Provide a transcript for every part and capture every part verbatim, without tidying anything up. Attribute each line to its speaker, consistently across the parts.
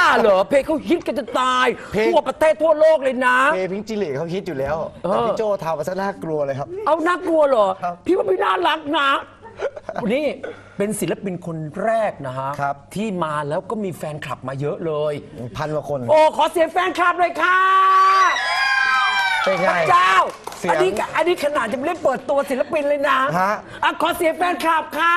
Speaker 1: เหรอเพลงเขาฮิตกันจะตายทั่วประเทศทั่วโลกเลยนะ
Speaker 2: เพลงพิงจิลิเขาฮิตอยู่แล้วแต่พี่โจทำมาซะน่ากลัวเลยครับ
Speaker 1: เอาน่ากลัวเหรอพี่ว่าพี่น่ารักนะนี่เป็นศิลปินคนแรกนะฮะที่มาแล้วก็มีแฟนคลับมาเยอะเลย
Speaker 2: พันกว่าคน
Speaker 1: โอ้ขอเสียงแฟนคลับเลยค่ะ
Speaker 2: เป็นไง
Speaker 1: เจ้าอันนี้อันนี้ขนาดจะไม่ได้เปิดตัวศิลปินเลยนะ
Speaker 2: ฮะ
Speaker 1: ขอเสียงแฟนคลับค่ะ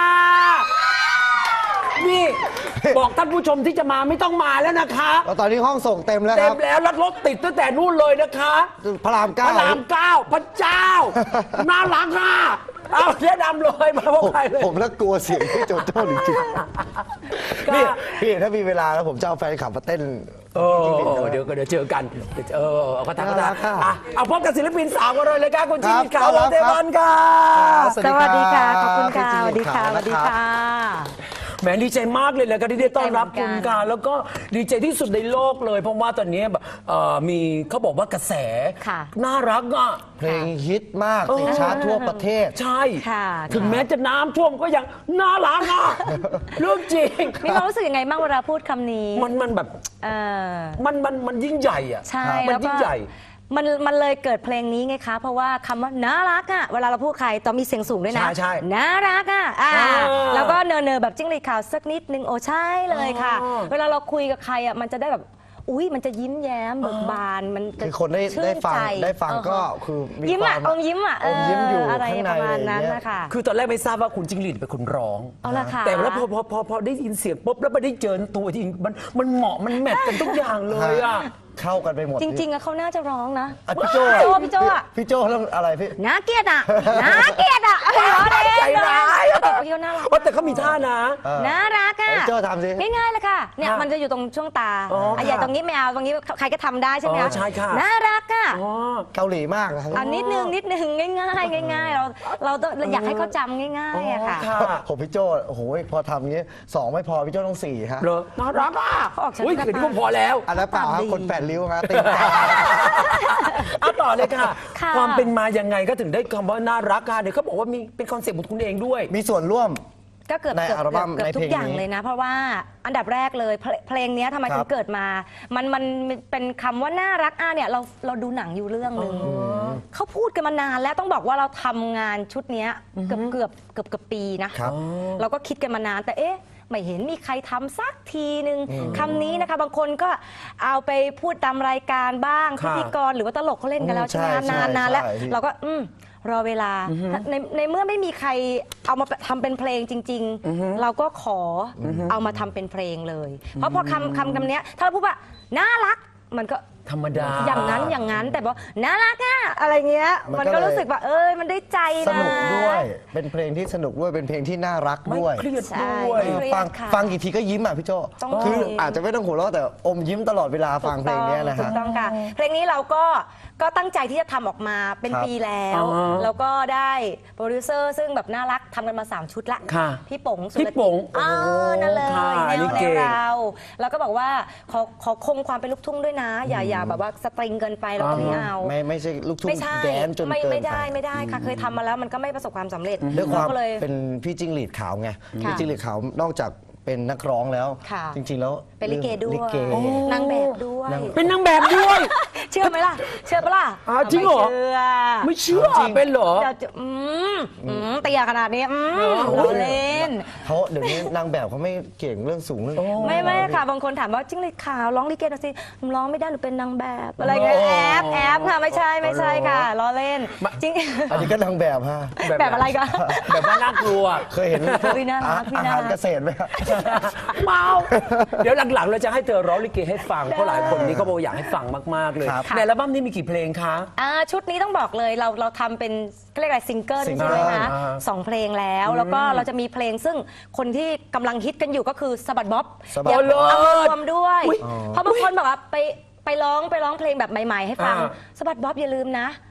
Speaker 1: นี่บอกท่านผู้ชมที่จะมาไม่ต้องมาแล้วนะคะ
Speaker 2: ตอนนี้ห้องส่งเต็มแล้วครับ
Speaker 1: เต็มแล้วรถติดตั้งแต่นู่นเลยนะคะ
Speaker 2: พระรามเก้า
Speaker 1: พระรามเก้าพระเจ้าน่ารักอ่ะเอาแนะนำเลยมาพวกใครเลย
Speaker 2: ผมแล้วกลัวเสียงพี่โจโจ้จริงๆนี่พี่ถ้ามีเวลาแล้วผมจะเอาแฟนคลับมาเต้น
Speaker 1: เออเดี๋ยวก็เดี๋ยวเจอกันเออเอากระทะกระทะเอาพบกับศิลปินสาวกันเลยเลยครับคุณจิมิตขาวเทวันค่ะ
Speaker 3: สวัสดีค่ะขอบคุณค่ะสวัสดีค่ะสวัสดีค่ะ
Speaker 1: แหมดีใจมากเลยเลยก็ที่ได้ต้อนรับคุณการแล้วก็ดีใจที่สุดในโลกเลยเพราะว่าตอนนี้แบบมีเขาบอกว่ากระแสน่ารักอ่ะ
Speaker 2: เพลงฮิตมากติดชาร์ตทั่วประเทศ
Speaker 1: ใช่ถึงแม้จะน้ำท่วมก็ยังน่ารักอ่ะเรื่องจริง
Speaker 3: มีความรู้สึกยังไงบ้างเวลาพูดคำนี้
Speaker 1: มันมันแบบมันมันมันยิ่งใหญ่อ่ะ
Speaker 3: ใช่
Speaker 1: มันยิ่งใหญ่
Speaker 3: มันมันเลยเกิดเพลงนี้ไงคะเพราะว่าคำว่าน่ารักอ่ะเวลาเราพูดใครต้องมีเสียงสูงด้วยนะ
Speaker 1: ใช่
Speaker 3: น่ารักอ่ะแล้วก็เนอเนอแบบจิ้งหรีดขาวสักนิดนึงโอ้ใช่เลยค่ะเวลาเราคุยกับใครอ่ะมันจะได้แบบอุ้ยมันจะยิ้มแย้มเบิกบานมันจะ
Speaker 2: คือคนได้ได้ฟังได้ฟังก็คือ
Speaker 3: ยิ้มอ่ะอมยิ้มอ่ะ
Speaker 2: อมยิ้มอยู่
Speaker 3: อะไรประมาณนั้นนะคะ
Speaker 1: คือตอนแรกไม่ทราบว่าคุณจิ้งหรีดเป็นคนร้องแต่แล้วพอพอพอพอได้ยินเสียงปุ๊บแล้วไปได้เจอตัวจริงมันมันเหมาะมันแมทกันทุกอย่างเลยอ่ะ
Speaker 2: เข้ากันไปหมด
Speaker 3: จริงๆอะเขาน่าจะร้องนะ
Speaker 2: พี่โจ
Speaker 3: พี่โจอะ
Speaker 2: พี่โจแล้วอะไรพี่
Speaker 3: น่าเกลียดอะน่าเกลียดอะ
Speaker 1: ใจร้าย
Speaker 3: แต่พี่น่ารัก
Speaker 1: แต่เขามีท่านะ
Speaker 3: น่ารักอะ
Speaker 2: พี่โจทำสิ
Speaker 3: ง่ายๆเลยค่ะเนี่ยมันจะอยู่ตรงช่วงตาไอ้ตรงนี้ไม่เอาตรงนี้ใครก็ทำได้ใช่ไหม
Speaker 1: ใช่ค่ะ
Speaker 3: น่ารักอะ
Speaker 2: เกาหลีมากนะ
Speaker 3: อันนิดนึงนิดนึงง่ายๆง่ายๆเราเราอยากให้เขาจำง่ายๆอะค่ะ
Speaker 2: ผมพี่โจโอ้โหพอทำงี้สองไม่พอพี่โจต้องสี่ฮะ
Speaker 1: น่ารักอ่ะ
Speaker 3: เขาออกฉัน
Speaker 1: อุ้ยเดี๋ยวนี้ก็พอแล้ว
Speaker 2: อันนั้นเปล่าครับคนแปดริ้วฮะติด
Speaker 1: เอาต่อเลยค่ะความเป็นมายังไงก็ถึงได้คำว่าน่ารักค่ะเดี๋ยวเขาบอกว่ามีเป็นคอนเซ็ปต์ของคุณเองด้วย
Speaker 2: มีส่วนร่วม
Speaker 3: ก็เกือบในอัลบั้มในทุกอย่างเลยนะเพราะว่าอันดับแรกเลยเพลงนี้ทำไมถึงเกิดมามันมันเป็นคำว่าน่ารักอ่ะเนี่ยเราเราดูหนังอยู่เรื่องหนึ่งเขาพูดกันมานานแล้วต้องบอกว่าเราทำงานชุดนี้เกือบเกือบเกือบเกือบปีนะเราก็คิดกันมานานแต่เอ๊ะไม่เห็นมีใครทำสักทีหนึ่งคำนี้นะคะบางคนก็เอาไปพูดตามรายการบ้างพิธีกรหรือว่าตลกเขาเล่นกันแล้วใช่ไหมนานนานแล้วเราก็อืมรอเวลาในในเมื่อไม่มีใครเอามาทำเป็นเพลงจริงๆเราก็ขอเอามาทำเป็นเพลงเลยเพราะพอคำคำคำนี้ถ้าเราพูดว่าน่ารักมันก็
Speaker 1: ธรรมดา
Speaker 3: อย่างนั้นอย่างนั้นแต่บอกน่ารักอะอะไรเงี้ยมันก็รู้สึกว่าเออมันได้ใจนะ
Speaker 2: สนุกด้วยเป็นเพลงที่สนุกด้วยเป็นเพลงที่น่ารักด้วย
Speaker 1: เครียดด้วย
Speaker 2: ฟังฟังกี่ทีก็ยิ้มอ่ะพี่โจคืออาจจะไม่ต้องหัวเราะแต่อมยิ้มตลอดเวลาฟังเพลงนี้นะฮะ
Speaker 3: ถูกต้องค่ะเพลงนี้เราก็ก็ตั้งใจที่จะทำออกมาเป็นปีแล้วแล้วก็ได้โปรดิวเซอร์ซึ่งแบบน่ารักทำกันมาสามชุดละพี่ป๋งสุ
Speaker 1: รติ
Speaker 3: อ๋อนั่นเลยแนวแนวเราแล้วก็บอกว่าขอขอคงความเป็นลูกทุ่งด้วยนะอย่าอย่าแบบว่าสตริงเกินไปเราไม่เอา
Speaker 2: ไม่ไม่ใช่ลูกทุ่งแดนจนเกิน
Speaker 3: ไม่ได้ไม่ได้ค่ะเคยทำมาแล้วมันก็ไม่ประสบความสำเร็จ
Speaker 2: ด้วยความเป็นพี่จิ้งหรีดขาวไงพี่จิ้งหรีดขาวนอกจากเป็นนักร้องแล้วจริงๆแล้ว
Speaker 3: เป็นลิเกด้วยนางแบบด้วย
Speaker 1: เป็นนางแบบด้วย
Speaker 3: เชื่อไหมล่ะเชื่อปะล่ะ
Speaker 1: จริงเหรอไม่เชื่อเป็นเหรอ
Speaker 3: อืมเตียขนาดนี้อืมเล่น
Speaker 2: เขาเดี๋ยวนี้นางแบบเขาไม่เก่งเรื่องสูงเรื่อง
Speaker 3: ไม่ไม่ค่ะบางคนถามว่าจิ้งหรีดขาวร้องลิเกหน่อยสิร้องไม่ได้หรือเป็นนางแบบอะไรเงี้ยแอบแอบค่ะไม่ใช่ไม่ใช่ค่ะล้อเล่นจริง
Speaker 2: อันนี้ก็นางแบบฮะ
Speaker 3: แบบอะไรกัน
Speaker 1: แบบว่าน่ากลัว
Speaker 2: เคยเห็นอาหารเกษตรไหมครับ
Speaker 1: เมาเดี๋ยวหลังๆเราจะให้เธอร้องลิเกให้ฟังเพราะหลายคนนี้เขาบอกอยากให้ฟังมากๆเลยในอัลบั้มนี้มีกี่เพลงคะ
Speaker 3: ชุดนี้ต้องบอกเลยเราเราทำเป็นเรียกอะไรซิงเกิลใช่ไหมคะสองเพลงแล้วแล้วก็เราจะมีเพลงซึ่งคนที่กำลังฮิตกันอยู่ก็คือสะบัดบ๊อบ
Speaker 1: อยาก
Speaker 3: เอามารวมด้วยเพราะบางคนบอกว่าไปไปร้องไปร้องเพลงแบบใหม่ๆให้ฟังสะบัดบ๊อบอย่าลืมนะ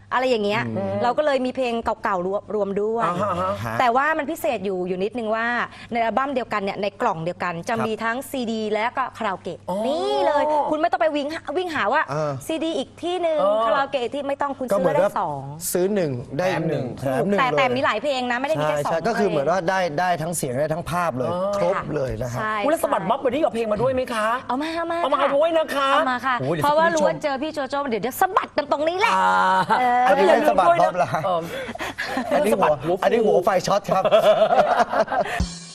Speaker 3: อะไรอย่างเงี้ยเราก็เลยมีเพลงเก่าๆรวมรวมด้วย
Speaker 1: อ่าฮะฮะ
Speaker 3: แต่ว่ามันพิเศษอยู่อยู่นิดนึงว่าในอัลบั้มเดียวกันเนี่ยในกล่องเดียวกันจะมีทั้งซีดีและก็คาราโอเกะนี่เลยคุณไม่ต้องไปวิ่งวิ่งหาว่า
Speaker 2: เออ
Speaker 3: ซีดีอีกที่หนึ่ง
Speaker 1: เออ
Speaker 3: คาราโอเกะที่ไม่ต้องคุณ
Speaker 2: ก็
Speaker 3: ซื้
Speaker 2: เหมื
Speaker 3: อ
Speaker 2: อน
Speaker 3: ได้
Speaker 2: ว่า
Speaker 3: สอง
Speaker 2: ซื้อหนึ่งได้หนึ่งแถมหนึ่ง
Speaker 3: แต่
Speaker 2: เลย
Speaker 3: แต่มีหลายเพลงนะไม่ได้มี
Speaker 2: ใช่
Speaker 3: แค่สอง
Speaker 2: ใช่ก็คือเหมือน
Speaker 3: พลง
Speaker 2: ว่าได้ได้ทั้งเสียงได้ทั้งภาพเลย ครบเลยนะฮะ
Speaker 3: ใช่
Speaker 1: คุณแล้วสะบัดบ๊อบวันนี้กับเพลงมาด้วยไหมคะ
Speaker 3: เอามาเอามา
Speaker 1: เอามา
Speaker 3: ค่ะ
Speaker 1: ด้วยนะคะ
Speaker 3: เอามาค่ะ
Speaker 1: โอ้ยดี๋ย
Speaker 3: เพราะว่า
Speaker 1: คุณ
Speaker 3: รู้
Speaker 1: ผู้ช
Speaker 3: ว่าม เจอพี่โจโจ้เดี๋ยวจะสะบัดกันตรงนี้แหละ
Speaker 1: อ่า
Speaker 3: เออ
Speaker 2: อันนี้
Speaker 1: อย่า
Speaker 2: เป็น
Speaker 1: ลื
Speaker 2: สะ
Speaker 1: ม
Speaker 2: บัด
Speaker 1: ด้วย
Speaker 2: บ๊
Speaker 1: นะ
Speaker 2: อบเหรอฮะ
Speaker 1: เออ
Speaker 2: อันนี้หัว
Speaker 1: สะบัดหัวฟู
Speaker 2: อันนี้หัวไฟช็อตครับ